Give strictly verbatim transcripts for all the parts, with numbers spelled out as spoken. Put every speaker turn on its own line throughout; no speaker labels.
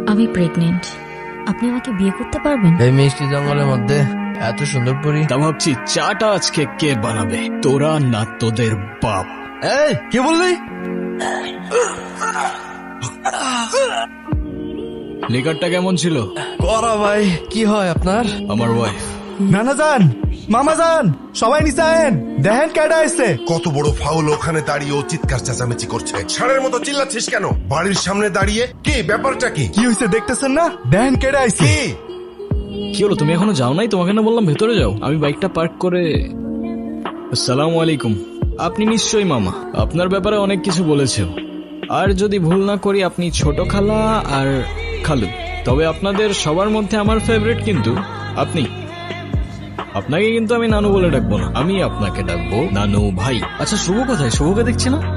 আমি প্রেগনেন্ট। আপনি আমাকে বিয়ে করতে পারবেন?
এই মিষ্টি জঙ্গলের মধ্যে এত সুন্দর পরি।
তা ভাবছি চাটা আজকে কে বানাবে, তোরা না তোদের বাপ?
এই কি বললি?
লিকারটা কেমন ছিল?
করা ভাই, কি হয় আপনার?
আমার ওয়াইফ।
নানা যান, মামা যান, সবাই নিচে আয়েন, দেখেন কেডা আসছে।
কত বড় ফাউল, ওখানে দাঁড়িয়ে ও চিৎকার চেঁচামেচি করছে। ষাঁড়ের মতো চিল্লাচ্ছিস কেন বাড়ির সামনে দাঁড়িয়ে? কি ব্যাপারটা কি?
কি হয়েছে দেখতেছেন না? দেখেন কেডা আসছে।
কি হলো, তুমি এখনো যাও নাই? তোমাকে না বললাম ভেতরে যাও। আমি বাইকটা পার্ক করে। আসসালামু আলাইকুম। আপনি নিশ্চয়ই মামা, আপনার ব্যাপারে অনেক কিছু বলেছেন। আর যদি ভুল না করি আপনি ছোট খালা আর খালু। তবে আপনাদের সবার মধ্যে আমার ফেভারিট কিন্তু আপনি। আপনাকে কিন্তু আমি নানু বলে ডাকবো না, আমি আপনাকে ডাকবো নানু ভাই। আচ্ছা শুভ কোথায়? শুভকে দেখছি না।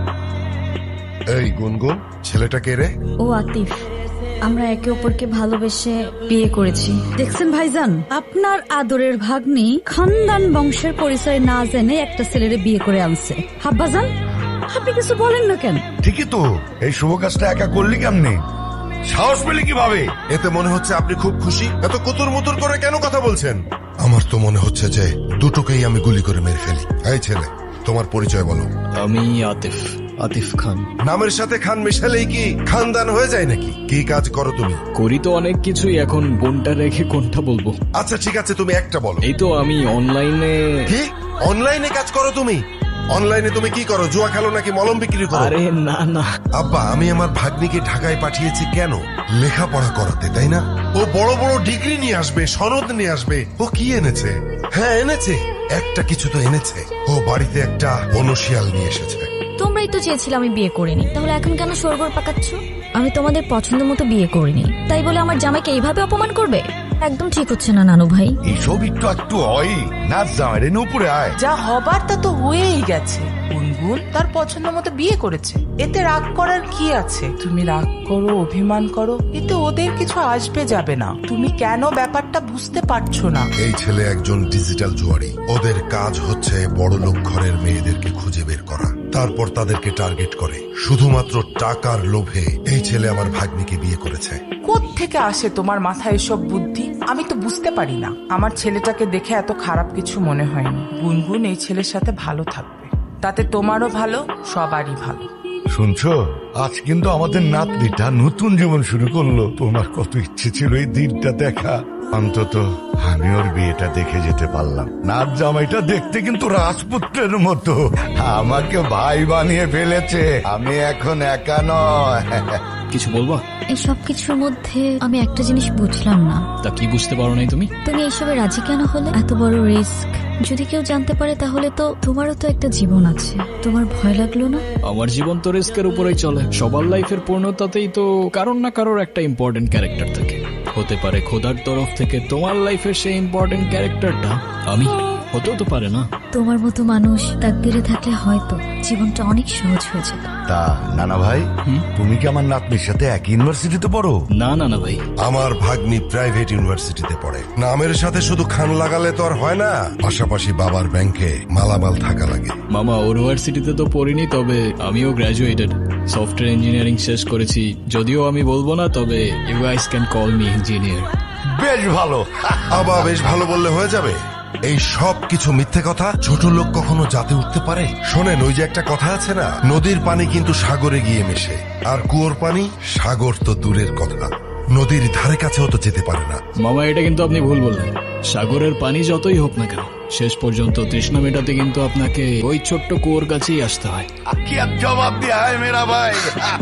এই গুনগুন, ছেলেটা কে রে?
ও আতিফ। আমরা একে অপরকে ভালোবেসে বিয়ে করেছি। দেখছেন ভাইজান, আপনার আদরের ভাগ্নি খানদান বংশের পরিচয় না জেনে একটা ছেলেরে বিয়ে করে আনছে। হাব্বাজান, আপনি কিছু বলেন না কেন?
ঠিকই তো, এই শুভ কাজটা একা করলি কেমনে? সাহস পেলি কিভাবে?
এতে মনে হচ্ছে আপনি খুব খুশি। এত কুতুর মুতুর করে কেন কথা বলছেন? আমার তো মনে হচ্ছে যে দুটোকেই আমি গুলি করে মেরে ফেলি। এই ছেলে, তোমার পরিচয় বলো।
আমি আতিফ, আতিফ খান।
নামের সাথে খান মিশালেই কি খানদান হয়ে যায় নাকি? কি কাজ করো তুমি?
করি তো অনেক কিছুই, এখন কোনটা রেখে কোনটা বলবো?
আচ্ছা ঠিক আছে, তুমি একটা বলো।
এই তো আমি অনলাইনে।
কি অনলাইনে কাজ করো তুমি? অনলাইনে তুমি কি করো? জুয়া খেলো নাকি মলম বিক্রি করো?
আরে না না
আব্বা, আমি আমার ভাগ্নিকে ঢাকায় পাঠিয়েছি কেন? লেখাপড়া করাতে, তাই না? ও বড় বড় ডিগ্রি নিয়ে আসবে, সনদ নিয়ে আসবে। ও কি এনেছে? হ্যাঁ এনেছে, একটা কিছু তো এনেছে। ও বাড়িতে একটা বনশিয়াল নিয়ে এসেছে।
তোমরাই তো চেয়েছিলে আমি বিয়ে করিনি, তাহলে এখন কেন সরগর পাকাচ্ছ? আমি তোমাদের পছন্দ মতো বিয়ে করিনি, তাই বলে আমার জামাইকে এইভাবে অপমান করবে? একদম ঠিক হচ্ছে না নানু ভাই।
এইসব একটু একটু হয় না, জামাই রে উপরে আয়।
যা হবার তা তো হয়েই গেছে। গুনগুন তার পছন্দ মতো বিয়ে করেছে, এতে রাগ করার কি আছে? তুমি রাগ করো, অভিমান করো, এতে ওদের কিছু আসবে যাবে না। তুমি কেন ব্যাপারটা বুঝতে পারছো না?
এই ছেলে একজন ডিজিটাল জুয়ারি। ওদের কাজ হচ্ছে বড় লোক ঘরের মেয়েদেরকে খুঁজে বের করা, তারপর তাদেরকে টার্গেট করে। শুধুমাত্র টাকার লোভে এই ছেলে আমার ভাগ্নিকে বিয়ে করেছে।
কোত্থেকে আসে তোমার মাথায় এসব বুদ্ধি? আমি তো বুঝতে পারি না। আমার ছেলেটাকে দেখে এত খারাপ কিছু মনে হয়নি। গুনগুন এই ছেলের সাথে ভালো থাকবে, তাতে তোমারও ভালো, সবারই ভালো।
শুনছো, আজ কিন্তু আমাদের নাতনিটা নতুন জীবন শুরু করলো। তোমার কত ইচ্ছে ছিল এই দিনটা দেখা। অন্তত আমি ওর বিয়েটা দেখে যেতে পারলাম। নাচ জামাইটা দেখতে কিন্তু রাজপুত্রের মতো। আমাকে ভাই বানিয়ে ফেলেছে। আমি এখন একা নয়।
কিছু বলবা?
এই সব কিছুর মধ্যে আমি একটা জিনিস বুঝলাম না।
তা কি বুঝতে পারো নাই তুমি?
তুমি এইসবে রাজি কেন হলে? এত বড় রিস্ক যদি কেউ জানতে পারে তাহলে তো তোমারও তো একটা জীবন আছে, তোমার ভয় লাগলো না?
আমার জীবন তো রিস্কের উপরেই চলে। সবার লাইফের পূর্ণতাতেই তো কারোর না কারোর একটা ইম্পর্টেন্ট ক্যারেক্টার থাকে। হতে পারে খোদার তরফ থেকে তোমার লাইফের সেই ইম্পর্টেন্ট ক্যারেক্টারটা আমি, হতেও তো পারে না।
তোমার মতো মানুষ তাকদিরে থাকলে হয়তো জীবনটা অনেক সহজ হয়ে যেত।
তা নানা ভাই, তুমি কি আমার নাতনির সাথে এক ইউনিভার্সিটিতে পড়ো?
না না না ভাই,
আমার ভাগ্নি প্রাইভেট ইউনিভার্সিটিতে পড়ে। নামের সাথে শুধু খান লাগালে তো আর হয় না, পাশাপাশি বাবার ব্যাংকে মালামাল থাকা লাগে।
মামা ইউনিভার্সিটিতে তো পড়িনি, তবে আমিও গ্রাজুয়েটেড, সফটওয়্যার ইঞ্জিনিয়ারিং শেষ করেছি। যদিও আমি বলবো না, তবে you guys can call me engineer.
বেশ ভালো।
আবা বেশ ভালো বললে হয়ে যাবে। এই সব কিছু মিথ্যে কথা। ছোট লোক কখনো জাতে উঠতে পারে? শোনেন, ওই যে একটা কথা আছে না, নদীর পানি কিন্তু সাগরে গিয়ে মেশে, আর কুয়োর পানি সাগর তো দূরের কথা, নদীর ধারে কাছেও তো যেতে পারে না।
মামা এটা কিন্তু আপনি ভুল বললেন। সাগরের পানি যতই হোক না কেন, শেষ পর্যন্ত তৃষ্ণা মেটাতে কিন্তু আপনাকে ওই ছোট্ট কুয়োর কাছেই আসতে হয়।
কি আর জবাব দিয়া হয় মেরা ভাই।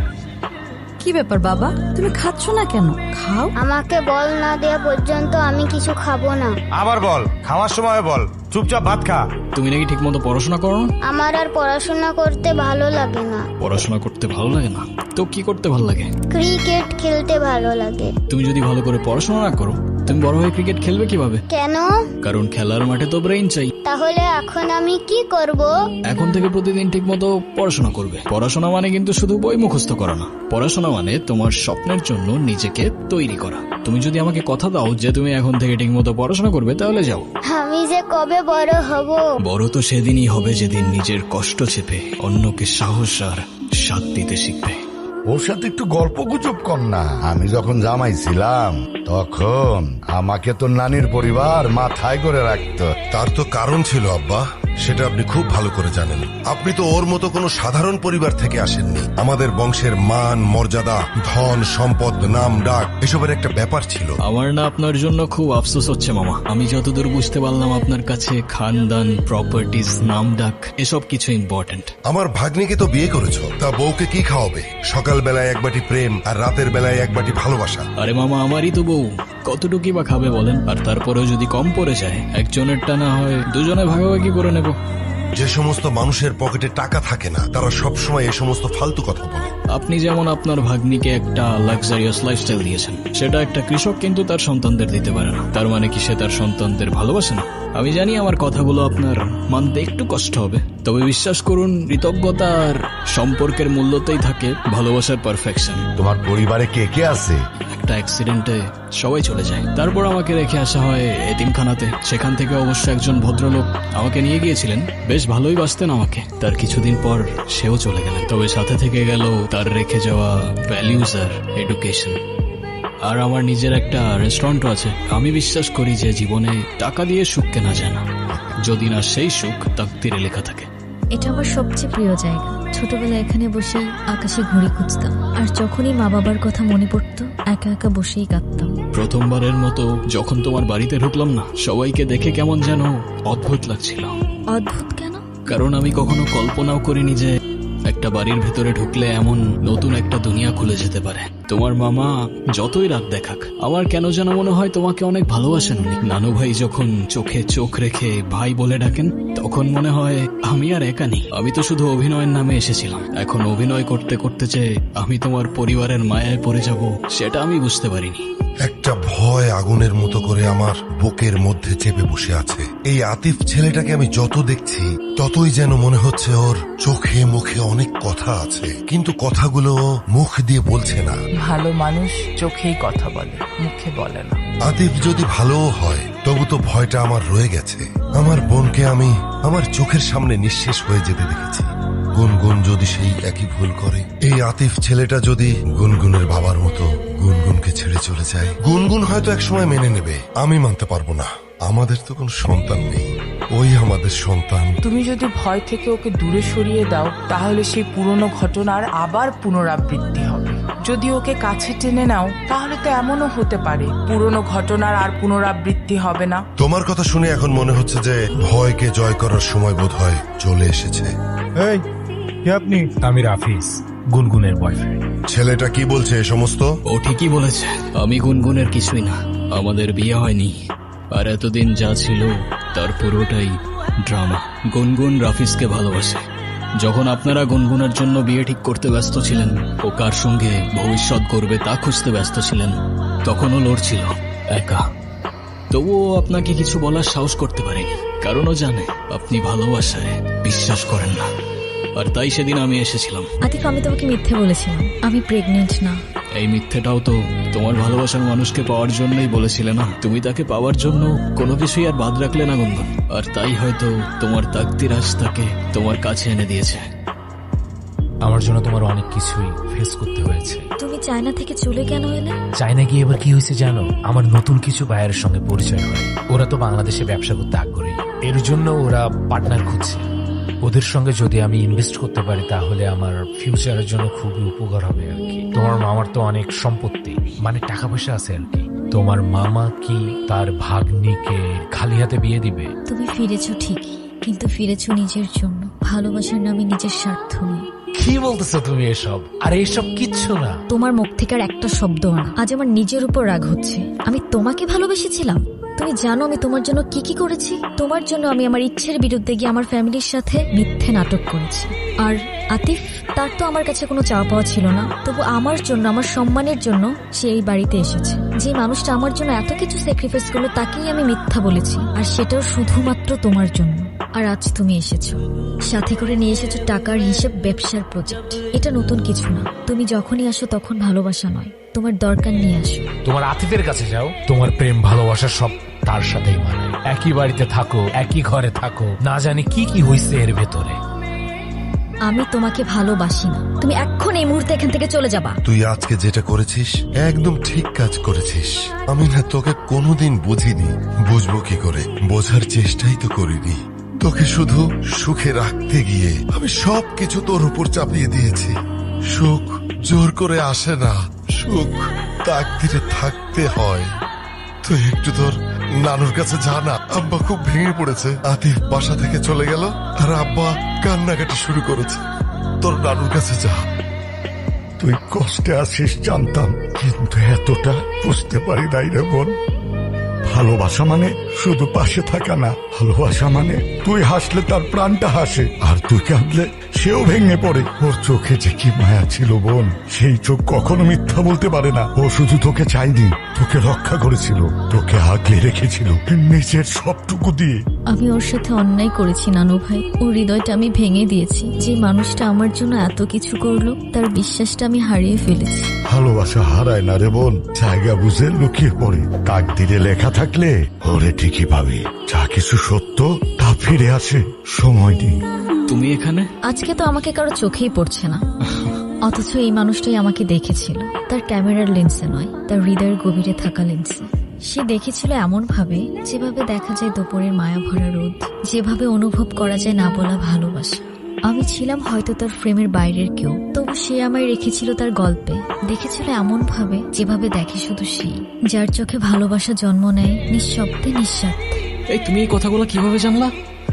কি ব্যাপার বাবা, তুমি খাচ্ছ না কেন? খাও।
আমাকে বল না দেওয়া পর্যন্ত আমি কিছু খাবো না।
আবার বল, খাওয়ার সময় বল, চুপচাপ ভাত খা।
তুমি নাকি ঠিক মতো পড়াশোনা করো না?
আমার আর পড়াশোনা করতে ভালো লাগে না।
পড়াশোনা করতে ভালো লাগে না তো কি করতে ভালো লাগে?
ক্রিকেট খেলতে ভালো লাগে।
তুমি যদি ভালো করে পড়াশোনা না করো, তুমি বড় হয়ে ক্রিকেট খেলবে কিভাবে?
কেন?
কারণ খেলার মাঠে তো ব্রেইন চাই।
তাহলে এখন আমি কি করব?
এখন থেকে প্রতিদিন ঠিক মতো পড়াশোনা করবে। পড়াশোনা মানে কিন্তু শুধু বই মুখস্থ করা না। পড়াশোনা মানে তোমার স্বপ্নের জন্য নিজেকে তৈরি করা। তুমি যদি আমাকে কথা দাও যে তুমি এখন থেকে ঠিক মতো পড়াশোনা করবে, তাহলে যাও।
আমি যে কবে বড় হব?
বড় তো সেদিনই হবে যেদিন নিজের কষ্ট চেপে অন্যকে সাহস আর সাথ দিতে শিখবে।
ওর সাথে একটু গল্প গুজব কর না। আমি যখন জামাই ছিলাম তখন আমাকে তো নানির পরিবার মাথায় করে রাখতো।
তার তো কারণ ছিল আব্বা, সেটা আপনি খুব ভালো করে জানেন। আপনি তো ওর মতো কোনো সাধারণ পরিবার থেকে আসেননি। আমাদের বংশের মান মর্যাদা, ধন সম্পদ, নাম ডাক এসবের একটা ব্যাপার ছিল।
আমার না আপনার জন্য খুব আফসোস হচ্ছে মামা। আমি যতদূর বুঝতে পারলাম আপনার কাছে খানদান, প্রপার্টিজ, নাম ডাক এসব কিছু ইম্পর্টেন্ট।
আমার ভাগ্নিকে তো বিয়ে করেছো, তা বউকে কি খাওয়াবে? সকাল বেলায় এক বাটি প্রেম আর রাতের বেলায় এক বাটি ভালোবাসা।
আরে মামা, আমারই তো বউ, কতটুকুই বা খাবে বলেন? আর তারপরেও যদি কম পড়ে যায়, একজনেরটা না হয় দুজনে ভাগাভাগি করে নেব।
যে সমস্ত মানুষের পকেটে টাকা থাকে না, তারা সব সময় এই সমস্ত ফালতু কথা বলে।
আপনি যেমন আপনার ভাগ্নিকে একটা লাক্সারিয়াস লাইফস্টাইল দিয়েছেন, সেটা একটা কৃষক কিন্তু তার সন্তানদের দিতে পারে না। তার মানে কি সে তার সন্তানদের ভালোবাসে না? আমি জানি আমার কথাগুলো আপনার মানতে একটু কষ্ট হবে, তবে বিশ্বাস করুন, কৃতজ্ঞতা আর সম্পর্কের মূল্যতেই থাকে ভালোবাসার পারফেকশন।
তোমার পরিবারে কে কে আছে?
একটা অ্যাক্সিডেন্টে সবাই চলে যায়, তারপর আমাকে রেখে আসা হয় এতিমখানাতে। সেখান থেকে অবশ্য একজন ভদ্রলোক আমাকে নিয়ে গিয়েছিলেন, বেশ ভালোই বাসতেন আমাকে। তার কিছুদিন পর সেও চলে গেলেন, তবে সাথে থেকে গেল তার রেখে যাওয়া ভ্যালিউজ আর এডুকেশন। আর আমার নিজের একটা রেস্টুরেন্টও আছে। আমি বিশ্বাস করি যে জীবনে টাকা দিয়ে সুখ কেনা যায় না, যদি না সেই সুখ তাকদিরে লেখা থাকে।
এটা আমার সবচেয়ে প্রিয় জায়গা। ছোটবেলায় এখানে বসেই আকাশে ঘুড়ি খুঁজতাম, আর যখনই মা বাবার কথা মনে পড়তো একা একা বসেই কাঁদতাম।
প্রথমবারের মতো যখন তোমার বাড়িতে ঢুকলাম না, সবাইকে দেখে কেমন যেন অদ্ভুত লাগছিল।
অদ্ভুত কেন?
কারণ আমি কখনো কল্পনাও করিনি যে একটা বাড়ির ভেতরে ঢুকলে এমন নতুন একটা দুনিয়া খুলে যেতে পারে। তোমার মামা যতই রাগ দেখাক, আমার কেন যেন মনে হয় তোমাকে অনেক ভালোবাসেন উনি। নানু ভাই যখন চোখে চোখ রেখে ভাই বলে ডাকেন, তখন মনে হয় আমি আর একা নেই। আমি তো শুধু অভিনয়ের নামে এসেছিলাম, এখন অভিনয় করতে করতে যে আমি তোমার পরিবারের মায়ায় পড়ে যাব, সেটা আমি বুঝতে পারিনি।
একটা ভয় আগুনের মতো করে আমার বুকের মধ্যে চেপে বসে আছে। এই আতিফ ছেলেটাকে আমি যত দেখছি, ততই যেন মনে হচ্ছে ওর চোখে মুখে অনেক কথা আছে, কিন্তু কথাগুলো মুখ দিয়ে বলছে না।
ভালো মানুষ চোখেই কথা বলে, মুখে বলে না।
আতিফ যদি ভালোও হয়, তবু তো ভয়টা আমার রয়ে গেছে। আমার বোনকে আমি আমার চোখের সামনে নিঃশেষ হয়ে যেতে দেখেছি। গুনগুন যদি সেই একই ভুল করে, এই আতিফ ছেলেটা যদি গুনগুনের বাবার মতো গুনগুনকে ছেড়ে চলে যায়, গুনগুন হয়তো একসময় মেনে নেবে, আমি মানতে পারবো না। আমাদের তো কোনো সন্তান নেই, ওই আমাদের সন্তান।
তুমি যদি ভয় থেকে ওকে দূরে সরিয়ে দাও, তাহলে সেই পুরনো ঘটনার আবার পুনরাবৃত্তি হবে। যদি ওকে কাছে টেনে নাও, তাহলে তো এমনও হতে পারে পুরনো ঘটনার আর পুনরাবৃত্তি হবে না।
তোমার কথা শুনে এখন মনে হচ্ছে যে ভয়কে জয় করার সময় বোধহয় চলে এসেছে।
এই কে আপনি? আমি রাফিজ, গুনগুনের বয়ফ্রেন্ড।
ছেলেটা কি বলছে এ সমস্ত?
ও ঠিকই বলেছে, আমি গুনগুনের কিছুই না। আমাদের বিয়ে হয়নি, আর এতদিন যা ছিল তার পুরোটাই ড্রামা। গুনগুন রাফিজকে ভালোবাসে। যখন আপনারা গুনগুনের জন্য বিয়ে ঠিক করতে ব্যস্ত ছিলেন, ও কার সঙ্গে ভবিষ্যৎ করবে তা খুঁজতে ব্যস্ত ছিলেন, তখনও লড়ছিল একা। তবুও আপনাকে কিছু বলার সাহস করতে পারেনি, কারণ ও জানে আপনি ভালোবাসায় বিশ্বাস করেন না। আর তাই সেদিন আমি এসেছিলাম।
আতিফ, আমি তোমাকে মিথ্যে বলেছিলাম, আমি প্রেগনেন্ট না।
এই মিথ্যেটাও তো তোমার ভালোবাসার মানুষকে পাওয়ার জন্যই বলেছিলে না? তুমি তাকে পাওয়ার জন্য কোনো কিছুই আর বাদ রাখলে না গুনগুন, আর তাই হয়তো তোমার তাকদির আজ তাকে তোমার কাছে এনে দিয়েছে।
আমার জন্য তোমার অনেক কিছুই ফেস করতে হয়েছে।
তুমি চায়না থেকে চলে কেন এলে?
চায়না গিয়ে এবার কি হয়েছে জানো? আমার নতুন কিছু বায়ারের সঙ্গে পরিচয় হয়। ওরা তো বাংলাদেশে ব্যবসা করতে আগ্রহী, এর জন্য ওরা পার্টনার খুঁজছে। ওদের সঙ্গে যদি আমি ইনভেস্ট করতে পারি, তাহলে আমার ফিউচারের জন্য খুবই উপকার হবে আর কি। তোমার মামার তো অনেক সম্পত্তি, মানে টাকা পয়সা আছে আর কি। তোমার মামা কি তার ভাগ্নিকে খালি হাতে বিয়ে দিবে?
তুমি ফিরেছো ঠিকই, কিন্তু ফিরেছো নিজের জন্য, ভালোবাসার নামে নিজের স্বার্থ নয়।
কি বলতেছো তুমি এসব? আর এসব কিচ্ছু না।
তোমার মুখ থেকে আর একটা শব্দ না। আজ আমার নিজের উপর রাগ হচ্ছে। আমি তোমাকে ভালোবেসেছিলাম। তুমি জানো আমি তোমার জন্য কি কি করেছি? তোমার জন্য আমি আমার ইচ্ছের বিরুদ্ধে গিয়ে আমার ফ্যামিলির সাথে মিথ্যে নাটক করেছি। আর আতিফ, তার তো আমার কাছে কোনো চাওয়া পাওয়া ছিল না, তবু আমার জন্য, আমার সম্মানের জন্য সে এই বাড়িতে এসেছে। যে মানুষটা আমার জন্য এত কিছু স্যাক্রিফাইস করলো, তাকেই আমি মিথ্যা বলেছি, আর সেটাও শুধুমাত্র তোমার জন্য। আর আজ তুমি এসেছো, সাথে করে নিয়ে এসেছো টাকার হিসেব, ব্যবসার প্রজেক্ট। এটা নতুন কিছু না। তুমি যখনই আসো তখন ভালোবাসা নয়, তোমার দরকার নিয়ে আসো।
তোমার আতিফের কাছে যাও, তোমার প্রেম ভালোবাসা সব তার সাথেই মানায়। একই বাড়িতে থাকো, একই ঘরে থাকো, না জানি কি কি হইছে এর ভেতরে।
আমি তোমাকে ভালোবাসি না। তুমি এখন এই মুহূর্তে এখান থেকে চলে যাবা।
তুই আজকে যেটা করেছিস একদম ঠিক কাজ করেছিস। আমি না তোকে কোনোদিন বুঝিনি, বুঝবো কি করে, বোঝার চেষ্টাই তো করিনি। তোকে শুধু সুখে রাখতে গিয়ে আমি সবকিছু তোর উপর চাপিয়ে দিয়েছি। সুখ জোর করে আসে না, সুখ তাকদিরে থাকতে হয়। তুই একটু তোর নানুর কাছে যা না। আব্বা খুব ভেঙে পড়েছে। আতিফ বাসা থেকে চলে গেল আর আব্বা কান্নাকাটি শুরু করেছে। তোর নানুর কাছে যা।
তুই কষ্টে আছিস জানতাম, কিন্তু এতটা বুঝতে পারি নাই রে বোন। ভালোবাসা মানে শুধু পাশে থাকা না, ভালোবাসা মানে তুই হাসলে তার প্রাণটা হাসে, আর তুই কাঁদলে সেও ভেঙে পড়ে। ওর চোখে যে কি মায়া ছিল বোন, সেই চোখ কখনো মিথ্যা বলতে পারে না। ও শুধু তোকে চাইনি, তোকে রক্ষা করেছিল, তোকে আগলে রেখেছিল নিজের সবটুকু দিয়ে।
আমি ওর সাথে অন্যায় করেছি নানু ভাই। ওর হৃদয়টা আমি ভেঙে দিয়েছি। যে মানুষটা আমার জন্য এত কিছু করলো, তার বিশ্বাসটা আমি হারিয়ে ফেলেছি।
ভালোবাসা হারায় না রে বোন, জায়গা বুঝে লুকিয়ে পড়ে। তাকদিরে লেখা থাকলে ওরে ঠিকই পাবে। যা কিছু সত্য তা ফিরে আসে, সময় দিন।
তুমি এখানে?
আজকে তো আমাকে কারো চোখেই পড়ছে না, অথচ এই মানুষটাই আমাকে দেখেছিল। তার ক্যামেরার লেন্সে নয়, তার হৃদয়ের গভীরে থাকা লেন্সে। সে দেখেছিল এমন ভাবে যেভাবে দেখা যায় দুপুরের মায়া ভরা রোদ, যেভাবে অনুভব করা যায় না বলা ভালোবাসা। আমি ছিলাম হয়তো তার ফ্রেমের বাইরের কেউ, তবু সে আমায় রেখেছিল তার গল্পে। দেখেছিল এমন ভাবে যেভাবে দেখে শুধু সেই, যার চোখে ভালোবাসা জন্ম নেয় নিঃশব্দে নিঃস্বার্থে।
এই তুমি এই কথাগুলো কিভাবে জানলা?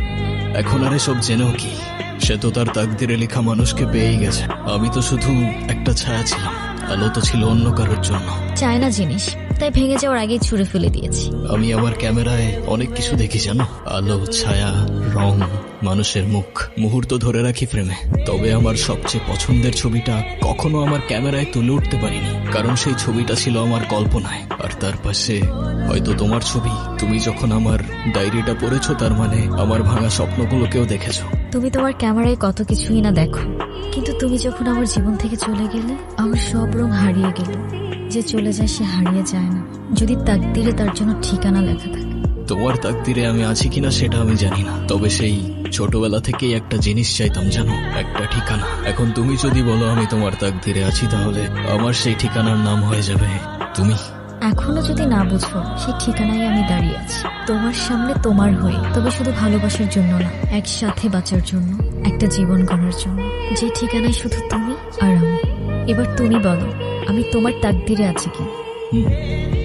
এখন আর এসব জেনেও কি? সে তো তার তাকদিরে লেখা মানুষকে পেয়েই গেছে। আমি তো শুধু একটা ছায়া ছিলাম, আলো তো ছিল অন্য কারোর জন্য।
চায়না জিনিস, তাই ভেঙে যাওয়ার আগেই ছুঁড়ে ফেলে দিয়েছি।
আমি আমার ক্যামেরায় অনেক কিছু দেখি জানো, আলো, ছায়া, রং, মানুষের মুখ, মুহূর্ত ধরে রাখি ফ্রেমে। তবে আমার সবচেয়ে পছন্দের ছবিটা কখনো আমার ক্যামেরায় তুলে উঠতে পারিনি, কারণ সেই ছবিটা ছিল আমার কল্পনায়। আর তার পাশে হয়তো তোমার ছবি। তুমি যখন আমার ডায়েরিটা পড়েছো, তার মানে আমার ভাঙা স্বপ্নগুলোকেও দেখেছো।
তুমি তোমার ক্যামেরায় কত কিছুই না দেখো, কিন্তু তুমি যখন আমার জীবন থেকে চলে গেলে, আমার সব রং হারিয়ে গেল। যে চলে যায় সে হারিয়ে যায় না, যদি তাকদিরে তার জন্য ঠিকানা লেখা থাকে।
তোমার তাকদিরে আমি আছি কিনা সেটা আমি জানি না, তবে সেই ছোটবেলা থেকেই একটা জিনিস চাইতাম জানো, একটা ঠিকানা। এখন তুমি যদি বলো আমি তোমার তাকদিরে আছি, তাহলে আমার সেই ঠিকানার নাম হয়ে যাবে তুমি।
এখনো যদি না বুঝো, সেই ঠিকানায় আমি দাঁড়িয়ে আছি তোমার সামনে, তোমার হয়ে। তবে শুধু ভালোবাসার জন্য না, একসাথে বাঁচার জন্য, একটা জীবন গড়ার জন্য। যে ঠিকানায় শুধু তুমি আর আমি। এবার তুমি বলো, আমি তোমার তাকদিরে আছি কি?